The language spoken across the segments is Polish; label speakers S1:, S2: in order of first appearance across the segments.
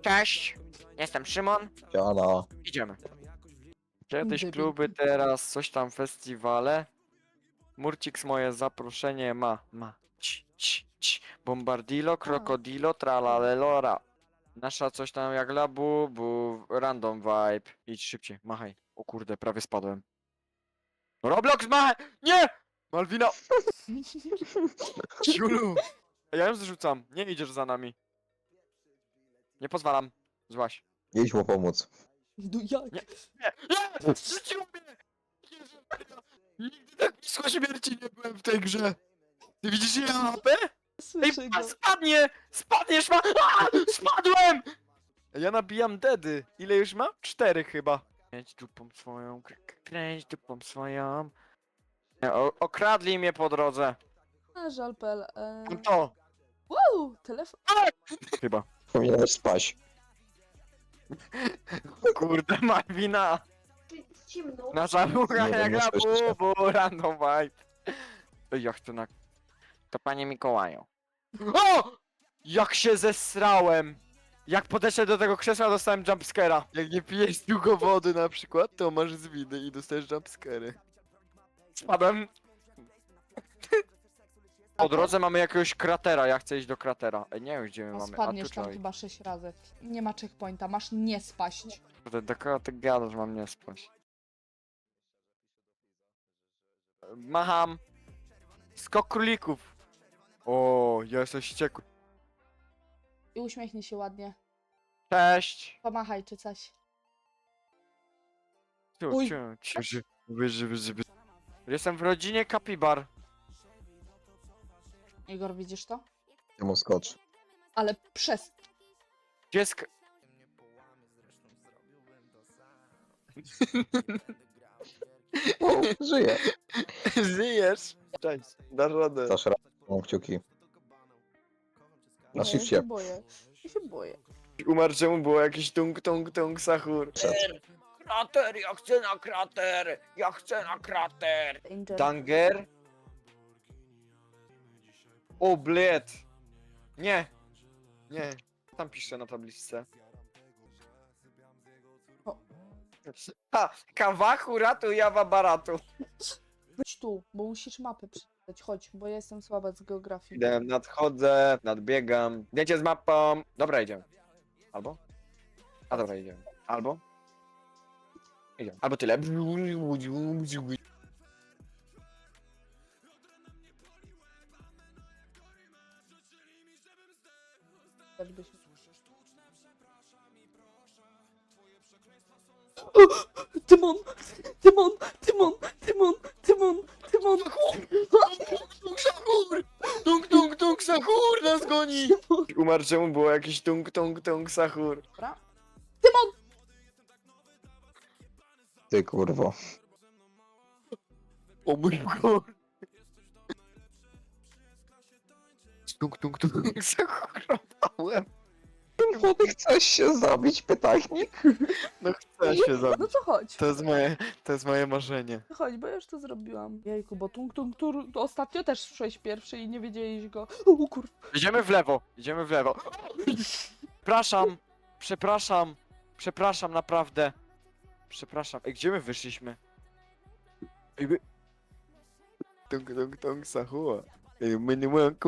S1: Cześć, jestem Szymon.
S2: Siana.
S1: Idziemy. Kiedyś
S3: Debil.
S1: kluby, teraz coś tam festiwale. Murcix moje zaproszenie ma. Bombardilo, krokodilo, tralalelora. Nasza coś tam jak labu, random vibe. Idź szybciej, machaj. O kurde, prawie spadłem. Roblox ma! Nie! Malwina! Ciulu! Ja ją zrzucam, nie idziesz za nami. Nie pozwalam. Złaś.
S2: Idź mu pomóc.
S3: No jak?
S1: Nie. Nie! Zrzuciło mnie! Jezu Maria! Nigdy tak blisko śmierci nie byłem w tej grze! Ty widzisz ile mam HP? Ej,
S3: Słyszę go.
S1: spadnie! Spadniesz ma! Spadłem! Ja nabijam dedy. Ile już mam? 4 chyba. Kręć dupą swoją, kręć dupą swoją. Okradli mnie po drodze.
S3: A, żal.pl.
S1: Mam to!
S3: Wow, telefon.
S1: Chyba.
S2: Powinieneś spać.
S1: Kurde, Malwina!
S4: Ciemno.
S1: Nasza bucha
S2: Nie
S1: jak
S2: wiem,
S1: na
S2: nie słyszę cię.
S1: random vibe. Ej, ja chcę na... To panie Mikołaju. O! Jak się zesrałem! Jak podeszłem do tego krzesła, dostałem jumpscare'a. Jak nie pijesz długo wody na przykład, to masz zwiny i dostajesz jumpscare'y. Spadłem. Po drodze mamy jakiegoś kratera, ja chcę iść do kratera. Ej, nie wiem gdzie my
S3: No,
S1: mamy.
S3: spadniesz
S1: tu
S3: tam
S1: czaj.
S3: chyba 6 razy. Nie ma checkpointa, masz nie spaść.
S1: Kurde, do kogo ty gadasz, mam nie spać. Macham. Skok królików. O, ja jestem wściekły.
S3: I uśmiechnij się ładnie.
S1: Cześć.
S3: Pomachaj czy coś.
S1: Ciu,
S3: Uj.
S1: ciu, ciu. Jestem w rodzinie kapibar.
S3: Igor, widzisz to?
S2: Ty mu skocz.
S3: Ale przez...
S1: Dziecko.
S2: O, żyje.
S1: Żyjesz? Cześć, dasz radę.
S2: Dasz radę, mam kciuki. Na
S3: Ja się
S2: shifcie.
S3: boję. Ja się boję.
S1: Umarł czemu było jakiś tung sahur. Krater, ja chcę na krater! Ja chcę na krater!
S3: Danger.
S1: Danger? O, bled! Nie! Nie. Tam piszę na tabliczce.
S3: O.
S1: Ha! Kawachu ratu jawa baratu.
S3: Chodź tu, bo musisz mapy przeczytać. Chodź, bo ja jestem słaba z geografii.
S1: Idę, nadchodzę, nadbiegam. Zdjęcie z mapą. Dobra, idziemy. Albo? A dobra, idziemy. Albo? Idziemy. Albo tyle.
S3: Też by się... Tymon! Tymon! Tymon! Tymon! Tymon! Tymon!
S1: Tung sahur! Tung sahur nas goni! Umarł czemu było jakiś tung sahur.
S3: Dobra. Tymon!
S2: Ty kurwo.
S1: O mój Boże! Tung sahurowałem.
S2: Młody, chcesz się zabić, pytajnik?
S1: No chcę się
S3: No
S1: zabić.
S3: to chodź.
S1: To jest moje marzenie.
S3: Chodź, bo ja już to zrobiłam. Jejku, bo to ostatnio też szłeś pierwszy i nie wiedzieliś go. O kur...
S1: Idziemy w lewo, idziemy w lewo. Przepraszam, naprawdę. Przepraszam. Ej, gdzie my wyszliśmy? Ej, my... Tung sahur. Ej, my nie mamy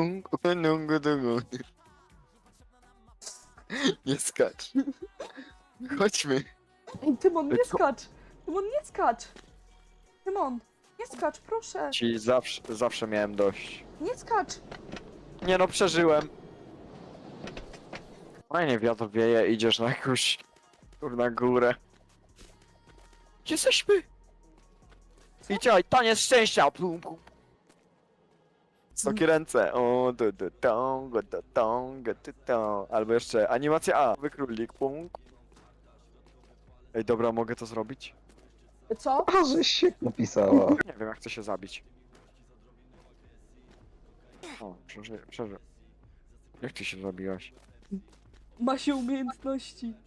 S1: Nie skacz. Chodźmy.
S3: Ej, Tymon, nie
S1: Co?
S3: skacz! Tymon, nie skacz! Tymon, nie skacz, proszę!
S1: Ci zawsze miałem dość.
S3: Nie skacz!
S1: Nie no, przeżyłem. Fajnie wiatr wieje, idziesz na jakąś... na górę. Gdzie jesteśmy? I działaj, taniec szczęścia! Plum, plum. Wysokie ręce. O, albo jeszcze animacja A. Wykrólik, punk. Ej, dobra, mogę to zrobić?
S3: Co?
S2: A, żeś się napisała.
S1: Nie wiem, jak chcę się zabić. O, przeżył. Jak ty się zabiłaś?
S3: Ma się umiejętności.